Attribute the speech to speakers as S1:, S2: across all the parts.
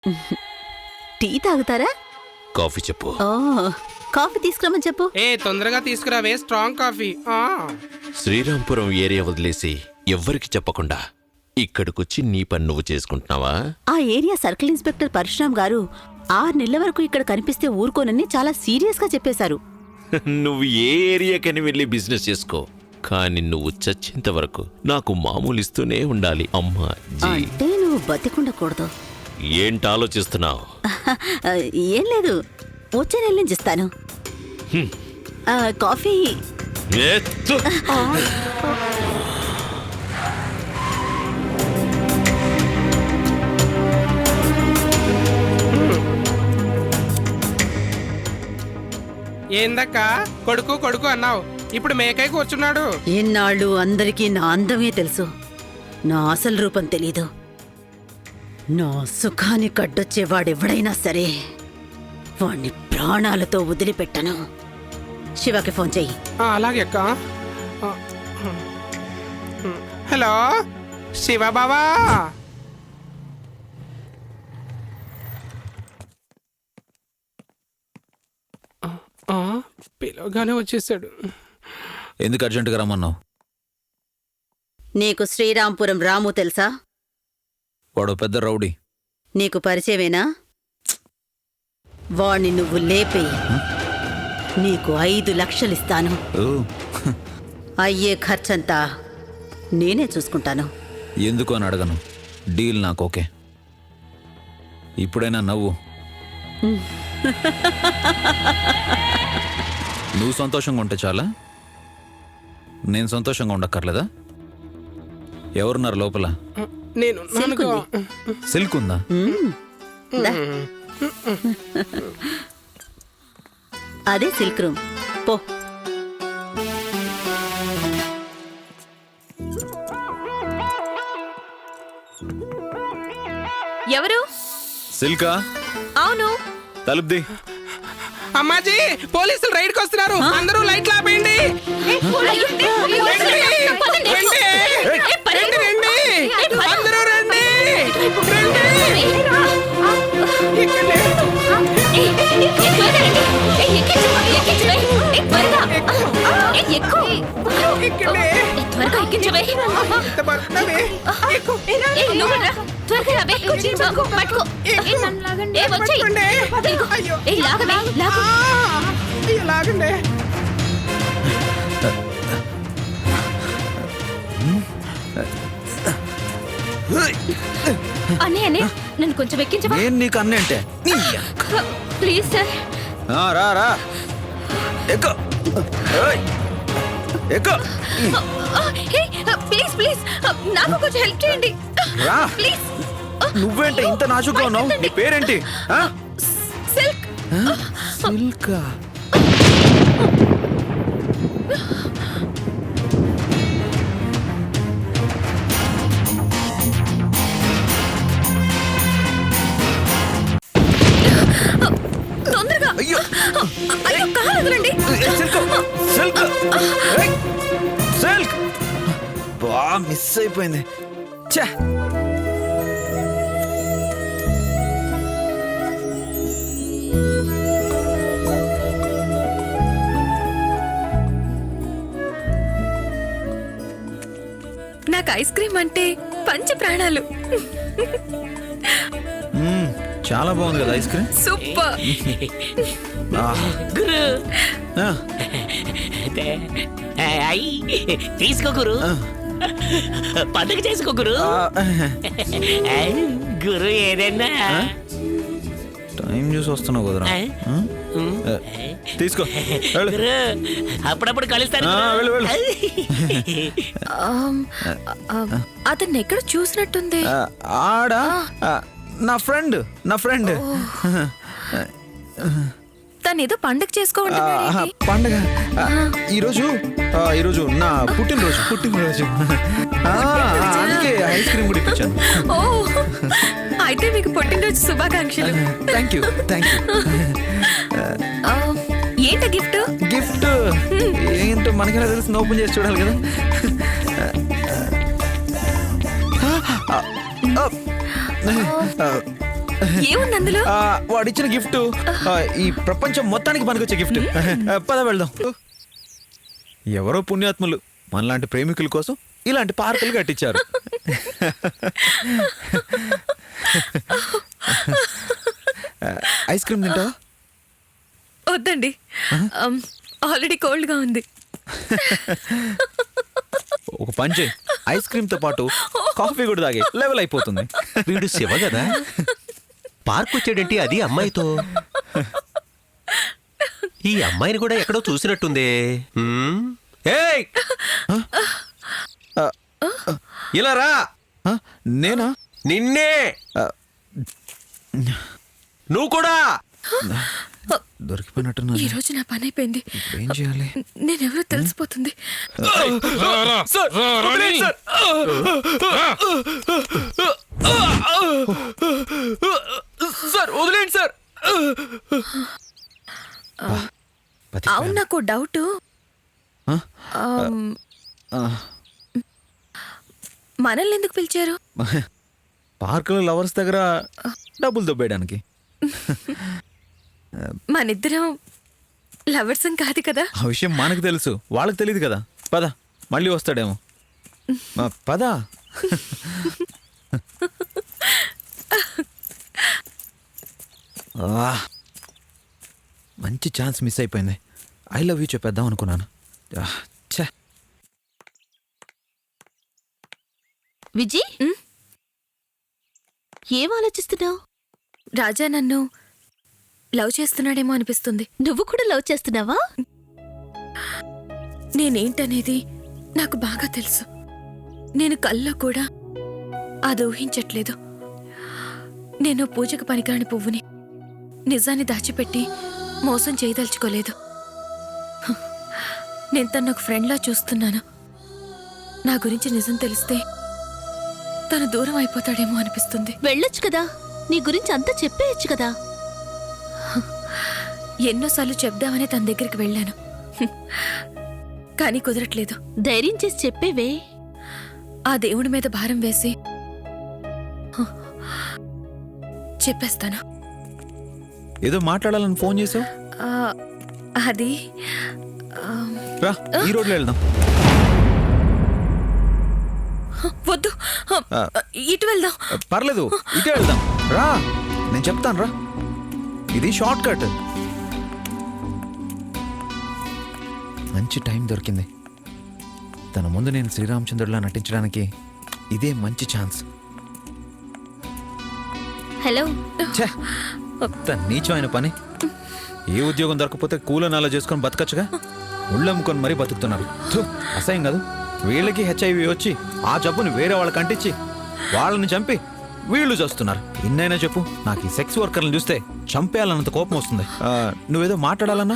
S1: Tea తాగుతారా?
S2: Coffee చెప్పు.
S1: ఓ, coffee తీసుకురమ్మని చెప్పు.
S3: తొందరగా తీసుకురావే స్ట్రాంగ్ కాఫీ.
S2: శ్రీరాంపురం ఏరియా వదిలేసి ఎవ్వరికి చెప్పకుండా ఇక్కడికొచ్చి నీ పని నువ్వు చేసుకుంటున్నావా?
S1: ఆ ఏరియా సర్కిల్ ఇన్స్పెక్టర్ పరశురామ్ గారు 6 నెలల వరకు ఇక్కడ కనిపిస్తే ఊరుకోనని చాలా సీరియస్ గా చెప్పేశారు.
S2: నువ్వు ఏ ఏరియాకని వెళ్ళి బిజినెస్ చేసుకో, కానీ నువ్వు చచ్చేంత వరకు నాకు మామూలు ఇస్తూనే ఉండాలి. అమ్మా జీ.
S1: అంటే నువ్వు బతికుండకూడదు.
S2: ఏంటి ఆలోచిస్తున్నావు?
S1: ఏం లేదు, వచ్చే నెల నుంచి ఇస్తాను. కాఫీ.
S2: ఎత్తు.
S3: ఏందక్క కొడుకు కొడుకు అన్నావు, ఇప్పుడు మేకై కూర్చున్నాడు.
S1: ఎన్నాళ్ళు అందరికీ నా అందమే తెలుసు, నా అసలు రూపం తెలీదు. నా సుఖాన్ని కడ్డొచ్చేవాడెవడైనా సరే వాణ్ణి ప్రాణాలతో వదిలిపెట్టను. శివకి ఫోన్ చెయ్యి.
S3: అలాగే అక్క. హలో శివ బావా. పిలవగానే వచ్చేసాడు.
S4: ఎందుకు అర్జెంటుగా రమ్మన్నావు?
S1: నీకు శ్రీరాంపురం రాము తెలుసా?
S4: వాడు పెద్ద రౌడీ.
S1: నీకు పరిచయమేనా? వాణ్ణి నువ్వు లేపేయి, నీకు 5 లక్షలిస్తాను. అయ్యే ఖర్చంతా నేనే చూసుకుంటాను.
S4: ఎందుకు అని అడగను, డీల్ నాకు ఓకే. ఇప్పుడైనా నవ్వు. నువ్వు సంతోషంగా ఉంటే చాలా, నేను సంతోషంగా ఉండక్కర్లేదా? ఎవరున్నారు లోపల?
S3: నేను
S4: సిల్క్ ఉందా?
S1: దా. అదే సిల్క్ రూమ్. పో.
S5: ఎవరు?
S4: సిల్కా?
S5: అవును.
S4: తలుపుది.
S3: అమ్మాజీ, పోలీసులు రైడ్కి వస్తున్నారు, అందరూ లైట్లు ఆపేయండి. అందరూ రండి. లాగండి.
S5: అనే నన్ను కొంచెం ఎక్కించవా?
S4: నేను నీకు అన్నీ అంటే
S5: ప్లీజ్ సార్.
S4: రా రా, ఎక్కు ఎక్కు.
S5: ప్లీజ్ ప్లీజ్ నాకు కొంచెం హెల్ప్ చేయండి
S4: రా.
S5: ప్లీజ్.
S4: నువ్వేంటి ఇంత నాజుగ్గా ఉన్నావు? నీ పేరేంటి?
S5: సిల్క్.
S4: సిల్కా?
S5: తొందరగా.
S4: అయ్యో
S5: అయ్యో, కాలు వదలండి.
S4: Silk silk silk. బా, మిస్ అయిపోయింది. ఛా.
S5: నాకు ఐస్ క్రీమ్ అంటే పంచ ప్రాణాలు.
S4: చాలా బాగుంది కదా ఐస్ క్రీమ్.
S5: సూపర్.
S6: గురు తీసుకో గురు, పండుగ చేసుకో గురు. గురు ఏదైనా
S4: టైం చూసి వస్తున్నావు కదరా. తీసుకో.
S6: గురు అప్పుడప్పుడు కలుస్తాను.
S5: అతన్ని ఎక్కడ చూసినట్టుంది.
S4: ఆడా నా ఫ్రెండ్.
S5: తనేదో పండుగ చేసుకోవాలి.
S4: పండగ ఈరోజు నా పుట్టినరోజు. అందుకే ఐస్ క్రీమ్ కూడా ఇప్పించాను.
S5: ఓ, అయితే మీకు పుట్టినరోజు శుభాకాంక్షలు.
S4: Thank you.
S5: ఏంట గిఫ్ట్?
S4: గిఫ్ట్ ఏంటో మనకెలా తెలుసు? ఓపెన్ చేసి చూడాలి కదా.
S5: ఏముంది అందులో?
S4: వాడిచ్చిన గిఫ్ట్ ఈ ప్రపంచం మొత్తానికి పనికొచ్చే గిఫ్ట్. పద వెళ్దాం. ఎవరో పుణ్యాత్ములు మనలాంటి ప్రేమికుల కోసం ఇలాంటి పార్కులు కట్టించారు. ఐస్ క్రీమ్ తింటావా?
S5: వద్దండి, ఆల్రెడీ కోల్డ్ గా ఉంది.
S4: ఒక పని చేయి, ఐస్ క్రీమ్ తో పాటు కాఫీ కూడా తాగే, లెవెల్ అయిపోతుంది.
S7: వీడు శివ కదా, పార్క్ వచ్చాడేంటి అది అమ్మాయితో? ఈ అమ్మాయిని కూడా ఎక్కడో చూసినట్టుందే.
S4: ఏయ్! ఇలా రా. నేనా?
S7: నిన్నే. నువ్వు కూడా
S4: దొరికిపోయినట్టున్నా.
S5: ఈ రోజు నా పని అయిపోయింది.
S4: ఏం చేయాలి?
S5: నేనెవరో తెలిసిపోతుంది.
S3: సార్ వదిలేండి సార్.
S5: అవును, నాకు డౌట్. మనల్ని ఎందుకు పిలిచారు?
S4: పార్కులో లవర్స్ దగ్గర డబ్బులు దొబ్బేయడానికి.
S5: మనిద్దరం లవర్స్ కాదు కదా.
S4: ఆ విషయం మనకు తెలుసు, వాళ్ళకి తెలియదు కదా. పద, మళ్ళీ వస్తాడేమో. పద. మంచి ఛాన్స్ మిస్ అయిపోయింది. ఐ లవ్ యూ చెప్పేద్దాం అనుకున్నాను. ఛే.
S1: విజయ్, ఏం ఆలోచిస్తున్నావు?
S5: రాజా నన్ను లవ్ చేస్తున్నాడేమో అనిపిస్తుంది.
S1: నువ్వు కూడా లవ్ చేస్తున్నావా?
S5: నేనేంటనేది నాకు బాగా తెలుసు. నేను కల్లో కూడా అది ఊహించట్లేదు. నేను పూజకు పనికిరాని పువ్వుని నిజాన్ని దాచిపెట్టి మోసం చేయదలుచుకోలేదు. నేను తను ఒక ఫ్రెండ్లా చూస్తున్నాను. నా గురించి నిజం తెలిస్తే తను దూరం అయిపోతాడేమో అనిపిస్తుంది.
S1: వెళ్ళొచ్చు కదా, నీ గురించి అంతా చెప్పేయచ్చు కదా.
S5: ఎన్నోసార్లు చెప్దామని తన దగ్గరికి వెళ్ళాను, కానీ కుదరట్లేదు.
S1: ధైర్యం చేసి చెప్పేవే.
S5: ఆ దేవుడి మీద భారం వేసి చెప్పేస్తాను.
S4: ఏదో మాట్లాడాలని ఫోన్ చేసావు.
S5: అది
S4: రా, ఈ రోడ్లో వెళ్దాం.
S5: వద్దు, ఇటు వెళ్దాం.
S4: పర్లేదు, ఇటే వెళ్దాం. రా, నేను చెప్తాను రా. ఇది షార్ట్ కట్. మంచి టైం దొరికింది. తన ముందు నేను శ్రీరామచంద్రుడిలా నటించడానికి ఇదే మంచి ఛాన్స్.
S1: హలో.
S4: ఛే, తన నీచమైన పని. ఏ ఉద్యోగం దొరకపోతే కూలని అలా చేసుకొని బతకచ్చుగా. ఉళ్ళమ్ముకొని మరీ బతుకుతున్నారు. అసహ్యం కాదు? వీళ్ళకి హెచ్ఐవి వచ్చి ఆ జబ్బుని వేరే వాళ్ళకి అంటించి వాళ్ళని చంపి వీళ్ళు చేస్తున్నారు. ఇన్నైనా చెప్పు, నాకు ఈ సెక్స్ వర్కర్లను చూస్తే చంపేయాలన్నంత కోపం వస్తుంది. నువ్వేదో మాట్లాడాలన్నా?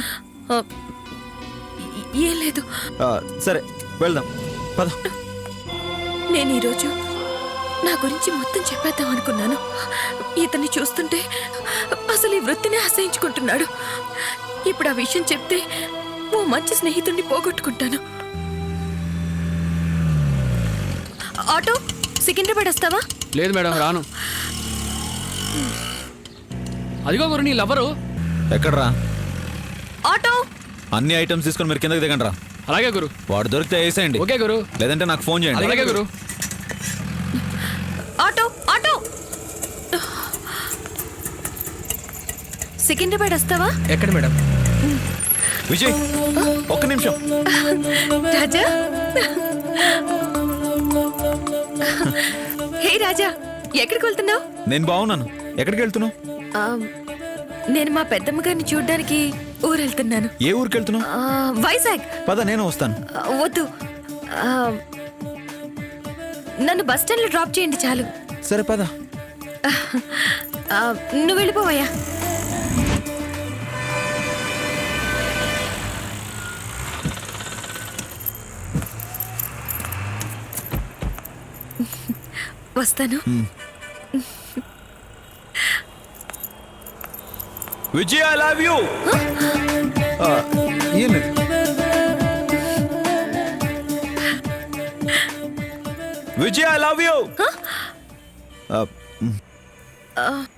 S5: ఏం లేదు.
S4: సరే, వెళ్దాం, పద.
S5: నేను ఈరోజు నా గురించి మొత్తం చెప్పేద్దాం అనుకున్నాను. ఇతన్ని చూస్తుంటే అసలు ఈ వృత్తినే అసహించుకుంటున్నాడు. ఇప్పుడు ఆ విషయం చెప్తే ఓ మంచి స్నేహితుడిని పోగొట్టుకుంటాను. ఆటో, సికింద్రాబాద్ వస్తావా?
S3: లేదు మేడం, రాను. అదిగో గురు నీ లవరు.
S4: ఎక్కడ్రా?
S5: ఆటో.
S4: అన్ని ఐటమ్స్ తీసుకొని మీరు కిందకి దిగండి రా.
S3: అలాగే గురు.
S4: వాడు దొరికితే వేసేయండి.
S3: ఓకే గురు.
S4: లేదంటే నాకు ఫోన్ చేయండి.
S3: అలాగే గురు.
S5: Auto, auto. సికింద్రాబాద్ వస్తావా?
S3: ఎక్కడ మేడం?
S4: విజయ్, ఒక్క నిమిషం.
S5: రాజా. హే రాజా, ఎక్కడికి వెళ్తున్నావు?
S4: నేను బాగున్నాను. ఎక్కడికి వెళ్తున్నావు?
S5: నేను మా పెద్దమ్మ గారిని చూడ్డానికి ఊరు వెళ్తున్నాను.
S4: ఏ ఊరికి వెళ్తున్నావు?
S5: వైజాగ్.
S4: పద, నేను వస్తాను.
S5: వద్దు, నన్ను బస్ స్టాండ్ లో డ్రాప్ చేయండి చాలు.
S4: సరే, పద.
S5: నువ్వు వెళ్ళిపోవయ్యా. వస్తాను.
S4: Vijay, I love you. Vijay, I love you.